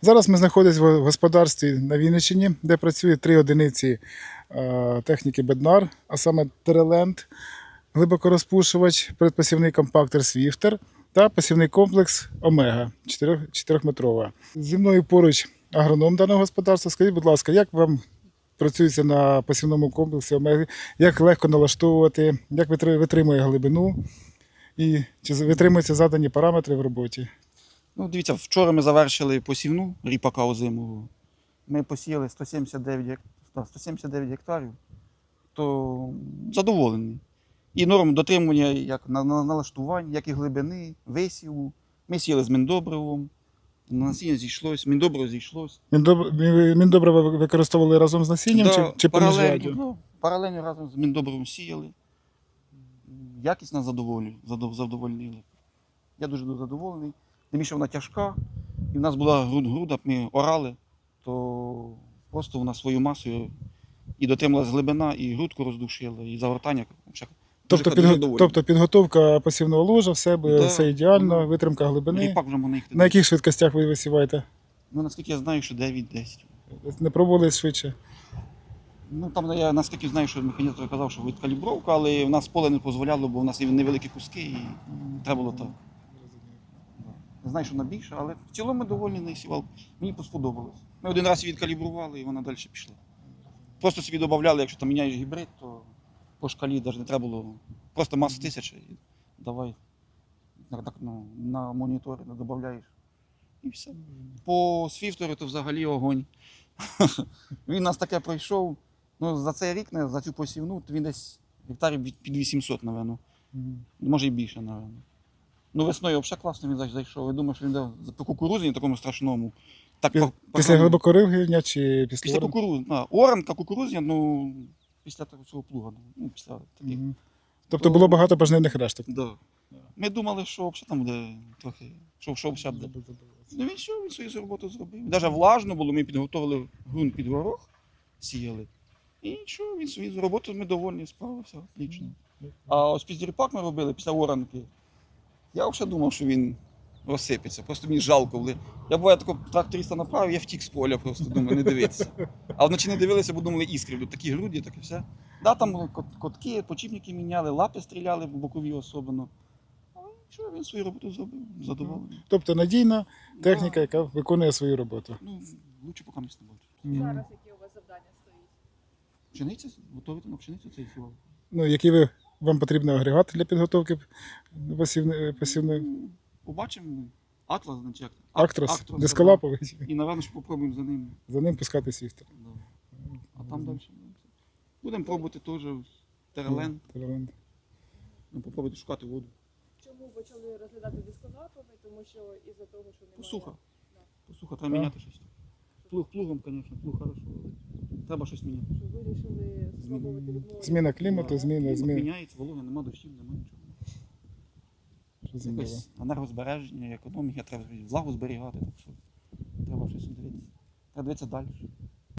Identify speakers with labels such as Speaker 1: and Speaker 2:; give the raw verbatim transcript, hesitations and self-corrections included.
Speaker 1: Зараз ми знаходимося в господарстві на Вінниччині, де працює три одиниці е, техніки Беднар, а саме Тереленд, глибокорозпушувач, предпосівний компактор Свіфтер та посівний комплекс Омега чотирьохметрова. Зі мною поруч агроном даного господарства. Скажіть, будь ласка, як вам працюється на посівному комплексі Омеги, як легко налаштовувати, як витримує глибину і чи витримуються задані параметри в роботі?
Speaker 2: Ну, дивіться, вчора ми завершили посівну ріпака озимого. Ми посіяли сто сімдесят дев'ять, гек- да, сто сімдесят дев'ять гектарів, то задоволений. І норм дотримування як на, на налаштувань, як і глибини, висіву. Ми сіяли з міндобривом, насіння зійшлось, міндобриво зійшлось.
Speaker 1: Міндоб- Міндобрива ви використовували разом з насінням
Speaker 2: Да,
Speaker 1: чи, чи поміж
Speaker 2: паралельно,
Speaker 1: радіо?
Speaker 2: ну, паралельно разом з міндобривом сіяли. Якість нас задоволює, задов- задовольнили. Я дуже задоволений. Тим більше вона тяжка, і в нас була груд груда, ми орали, то просто вона свою масою і дотрималась глибина, і грудку роздушила, і загортання.
Speaker 1: Тобто, підго- тобто підготовка посівного ложа, все,
Speaker 2: Да,
Speaker 1: все ідеально,
Speaker 2: ну,
Speaker 1: витримка глибини.
Speaker 2: Ріпак вже можна їхати.
Speaker 1: На яких швидкостях ви висіваєте?
Speaker 2: Ну, наскільки я знаю, що дев'ять-десять.
Speaker 1: Не пробували швидше?
Speaker 2: Ну, там я наскільки знаю, що механізатор казав, що відкалібровка, але в нас поле не дозволяло, бо в нас є невеликі куски, і треба було так. Не знаю, що вона більша, але в цілому ми довольні нею сівалкою. Мені сподобалось. Ми один раз її відкалібрували, і вона далі пішла. Просто собі додавали, якщо там міняєш гібрид, то по шкалі навіть не треба було. Просто маса тисяча і давай так, ну, на монітори додаєш. І все. По свіфтеру то взагалі огонь. Він нас таке пройшов. Ну, за цей рік, за цю посівну, то він десь гектарів під вісімсот, напевно. Може і більше, напевно. Ну, весною взагалі класно він зайшов. Я думаю, що він дав по кукурузі такому страшному. Так,
Speaker 1: Пі-
Speaker 2: по-
Speaker 1: Після
Speaker 2: по-
Speaker 1: глибокоривлення чи після,
Speaker 2: Після
Speaker 1: орен?
Speaker 2: кукурудзи. А, оранка, кукурузня, ну, після того цього плуга. Ну, після таких.
Speaker 1: Мгм. Тобто було багато пожнивних решток.
Speaker 2: Да. Ми думали, що взагалі там буде трохи, що, що взагалі буде. Ну він що, він свою роботу зробив. Навіть влажно було, ми підготовили ґрунт під горох, сіяли. І що, він свою роботу, ми довольні, справився, отлично. А ось після ріпак ми робили, після оранки, я взагалі думав, що він розсипеться, просто мені жалко. Коли... Я буває тако тракториста направив, я втік з поля, просто думаю, не дивитися. А вночі не дивилися, бо думали іскри, будуть такі груді, таке все. Да, там були кот- котки, почіпники міняли, лапи стріляли, бокові особливо. Але що, він свою роботу зробив, задоволений.
Speaker 1: Тобто надійна техніка, яка виконує свою роботу.
Speaker 2: Ну, лучше поки не бачу.
Speaker 1: Мгм.
Speaker 3: Зараз які у вас завдання стоїть?
Speaker 2: Пшениця, готовити на пшеницю цей сівал.
Speaker 1: Ну, який ви, вам потрібний агрегат для підготовки посівної? посівної?
Speaker 2: Ну, побачимо. Атлас, значить, як?
Speaker 1: Актрос, дисколаповий.
Speaker 2: І, напевно, що попробуємо за ним.
Speaker 1: За ним пускати свістер.
Speaker 2: Да. А там далі. Будемо пробувати теж терелен.
Speaker 1: Тереленд.
Speaker 2: Ну, попробувати шукати воду.
Speaker 3: Чому почали розглядати дисколаповий? Тому що із-за того, що немає...
Speaker 2: Посуха.
Speaker 3: Да.
Speaker 2: Посуха, треба
Speaker 1: Так.
Speaker 2: міняти щось. Плуг плугом, звісно, плуг хорошо. але Треба щось міняти.
Speaker 3: Що вирішили спробувати відмовити?
Speaker 1: Зміна клімату,
Speaker 2: Да.
Speaker 1: зміна,
Speaker 2: Клімат
Speaker 1: зміна.
Speaker 2: міняється, волога, нема дощів, нема нічого.
Speaker 1: Що змінило?
Speaker 2: Якось енергозбереження, економіка, треба влагу зберігати, так що треба щось дивитися. Треба дивитися далі.